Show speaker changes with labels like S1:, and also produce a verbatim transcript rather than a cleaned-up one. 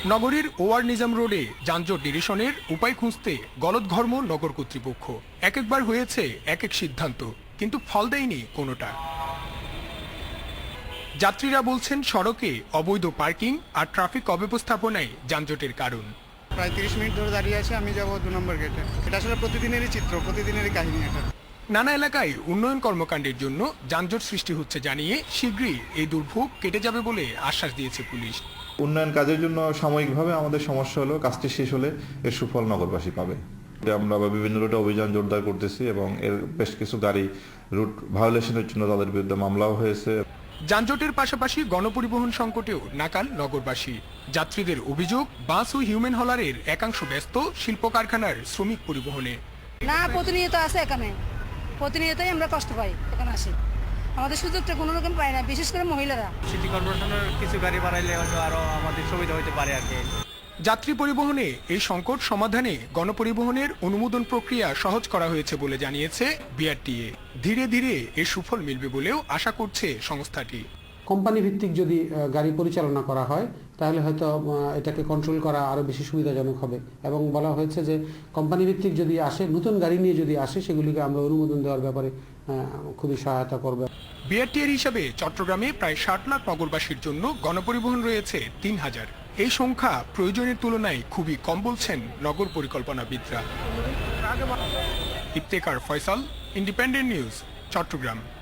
S1: নগরীর ওয়ার নিজাম রোডে যানজট নিরসনের উপায় খুঁজতে গলদঘর্ম নগর কর্তৃপক্ষ। এক একবার হয়েছে এক এক সিদ্ধান্ত, কিন্তু ফল দেয়নি কোনোটা। যাত্রীরা বলছেন সড়কে অবৈধ পার্কিং আর ট্রাফিক অব্যবস্থাপনায় যানজটের কারণ।
S2: প্রায় তিরিশ মিনিট ধরে দাঁড়িয়ে আছি, আমি যাব দু নম্বর গেটে। এটা আসলে প্রতিদিনেরই চিত্র, প্রতিদিনেরই কাহিনী এটা।
S1: নানা এলাকায় উন্নয়ন কর্মকাণ্ডের জন্য যানজট সৃষ্টি হচ্ছে জানিয়ে শীঘ্রই এই দুর্ভোগ কেটে যাবে বলে আশ্বাস দিয়েছে পুলিশ।
S3: উন্নয়ন কাজের জন্য সাময়িকভাবে আমাদের সমস্যা হলো, কাজটি শেষ হলে এর সুফল নগরবাসী পাবে। আমরা বিভিন্ন রুটে অভিযান জোরদার করতেছি এবং এর বেশ কিছু গাড়ি রুট ভায়োলেশনের জন্য তাদের বিরুদ্ধে মামলাও হয়েছে।
S1: যানজটের পাশাপাশি গণপরিবহন সংকটেও নাকাল নগরবাসী। যাত্রীদের অভিযোগ, বাস ও হিউম্যান হলারের একাংশ ব্যস্ত শিল্প কারখানার শ্রমিক পরিবহনে।
S4: না, প্রতিনিয়ত আছে এখানে, প্রতিনিয়তই আমরা কষ্ট পাই এখানে আসি। আমাদের সুযোগটা কোনো রকম পাই না, বিশেষ করে মহিলারা।
S5: সিটি কর্পোরেশনের কিছু গাড়ি বাড়াইলে হয়তো আরো আমাদের সুবিধা হতে পারে আর কি।
S1: যাত্রী পরিবহনে এই সংকট সমাধানে গণপরিবহনের অনুমোদন প্রক্রিয়া সহজ করা হয়েছে বলে জানিয়েছে বিআরটিএ। ধীরে ধীরে এর সুফল মিলবে বলেও আশা করছে সংস্থাটি।
S6: কোম্পানি ভিত্তিক যদি গাড়ি পরিচালনা করা হয় তাহলে হয়তো এটাকে কন্ট্রোল করা আরো বেশি সুবিধাজনক হবে, এবং বলা হয়েছে যে কোম্পানি ভিত্তিক যদি আসে, নতুন গাড়ি নিয়ে যদি আসে, সেগুলিকে আমরা অনুমোদন দেওয়ার ব্যাপারে খুবই সহায়তা করবে।
S1: বিআরটিএর হিসাবে চট্টগ্রামে প্রায় ষাট লাখ নগরবাসীর জন্য গণপরিবহন রয়েছে তিন হাজার। এই সংখ্যা প্রয়োজনের তুলনায় খুবই কম বলছেন নগর পরিকল্পনাবিদরা। Iftekhar Faisal, Independent News, Chittagong.